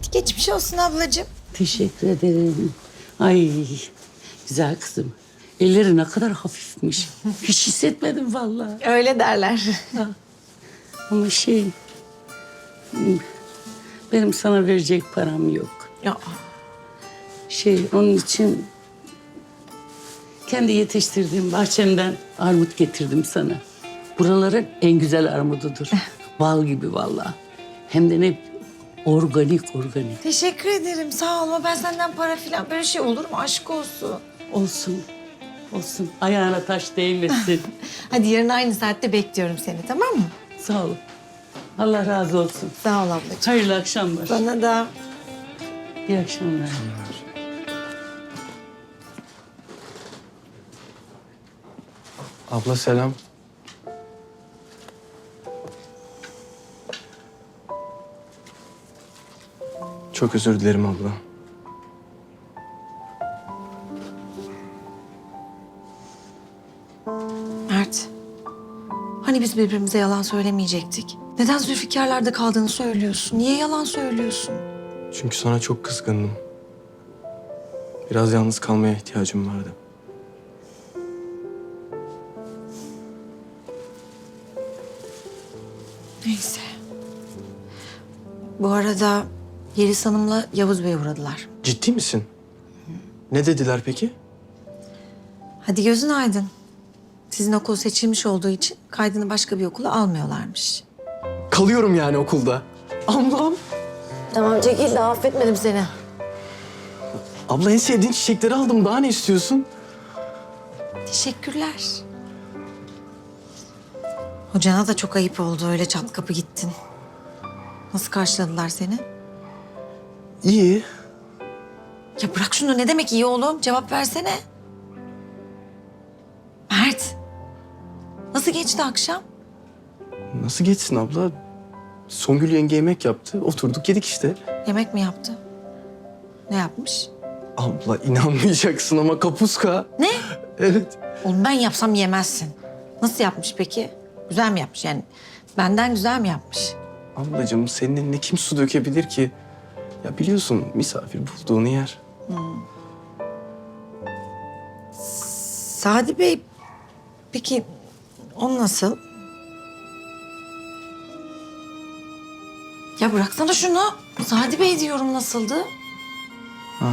Geçmiş olsun ablacığım. Teşekkür ederim. Ay güzel kızım. Elleri ne kadar hafifmiş. Hiç hissetmedim vallahi. Öyle derler. Ama benim sana verecek param yok. Ya, Onun için kendi yetiştirdiğim bahçemden armut getirdim sana. Buraların en güzel armududur. Bal gibi vallahi. Hem de ne organik. teşekkür ederim. Sağ ol ama ben senden para falan böyle şey olur mu? Aşk olsun. Olsun. Ayağına taş değmesin. Hadi yarın aynı saatte bekliyorum seni, tamam mı? Sağ ol. Allah razı olsun. Sağ ol ablacığım. Hayırlı akşamlar. Bana da. İyi akşamlar. Abla selam. Çok özür dilerim abla. Mert. Hani biz birbirimize yalan söylemeyecektik? Neden Zülfikar'larda kaldığını söylüyorsun? Niye yalan söylüyorsun? Çünkü sana çok kızgındım. Biraz yalnız kalmaya ihtiyacım vardı. Neyse. Bu arada Yeliz Hanım'la Yavuz Bey uğradılar. Ciddi misin? Ne dediler peki? Hadi gözün aydın. Sizin okul seçilmiş olduğu için kaydını başka bir okula almıyorlarmış. Kalıyorum yani okulda. Ablam. Tamam çekil de affetmedim seni. Abla en sevdiğin çiçekleri aldım. Daha ne istiyorsun? Teşekkürler. Hocana da çok ayıp oldu, öyle çat kapı gittin. Nasıl karşıladılar seni? İyi. Ya bırak şunu, ne demek iyi oğlum? Cevap versene. Mert. Nasıl geçti akşam? Nasıl geçsin abla? Songül yenge yemek yaptı. Oturduk yedik işte. Yemek mi yaptı? Ne yapmış? Abla inanmayacaksın ama kapuska. Ne? Evet. Oğlum ben yapsam yemezsin. Nasıl yapmış peki? Güzel mi yapmış yani? Benden güzel mi yapmış? Ablacığım senin eline kim su dökebilir ki? Ya biliyorsun misafir bulduğunu yer. Sadi Bey, peki o nasıl? Ya bıraksana şunu. Sadi Bey diyorum, nasıldı? Ha.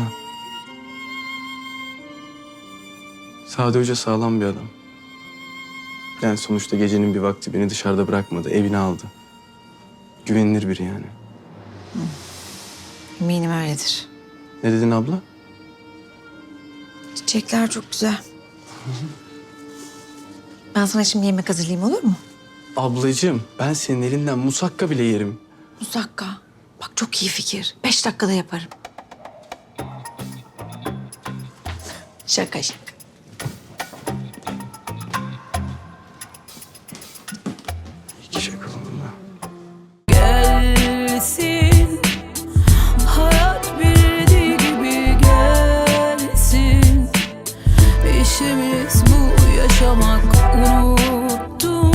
Sade Hoca sağlam bir adam. Yani sonuçta gecenin bir vakti beni dışarıda bırakmadı, evine aldı. Güvenilir biri yani. Eminim öyledir. Ne dedin abla? Çiçekler çok güzel. Ben sana şimdi yemek hazırlayayım, olur mu? Ablacığım ben senin elinden musakka bile yerim. Musakka. Bak çok iyi fikir. 5 dakikada yaparım. Şaka şaka. İki şey kolunda. Gelsin, hayat bildiği gibi gelsin. İşimiz bu, yaşamak, unuttum